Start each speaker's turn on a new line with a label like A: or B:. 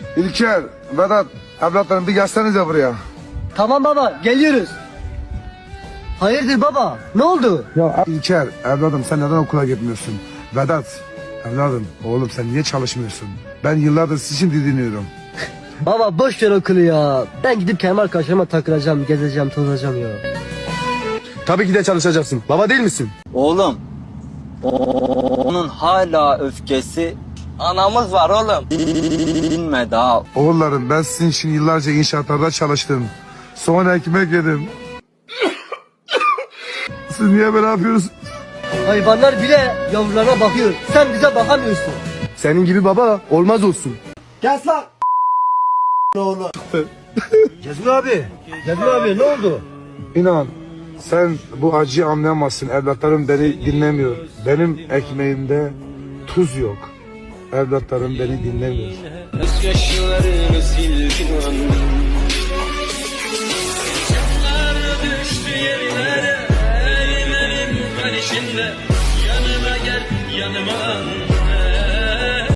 A: İlker, Vedat, evlatlarım bir gelsenize buraya.
B: Tamam baba, geliyoruz. Hayırdır baba, ne oldu?
A: Ya İlker, evladım sen neden okula gitmiyorsun? Vedat, evladım, oğlum sen niye çalışmıyorsun? Ben yıllardır sizi için didiniyorum.
B: Baba boş ver okulu ya. Ben gidip kendi arkadaşlarıma takılacağım, gezeceğim, tozacağım ya.
C: Tabii ki de çalışacaksın. Baba değil misin?
D: Oğlum, onun hala öfkesi anamız var oğlum. Dinme daha.
A: Oğullarım ben sizin için yıllarca inşaatlarda çalıştım. Sonra ekmek yedim. Siz niye böyle yapıyorsunuz?
B: Hayvanlar bile yavrularına bakıyor. Sen bize bakamıyorsun.
C: Senin gibi baba olmaz olsun.
B: Cezmi abi ne oldu?
A: İnan sen bu acıyı anlayamazsın. Evlatlarım beni dinlemiyor. Benim ekmeğimde tuz yok. Evlatlarım beni dinlemiyor.
E: Gözyaşlarını sildim an. Canlar düştü yerlere, elim kan içinde. Yanıma gel yanıma.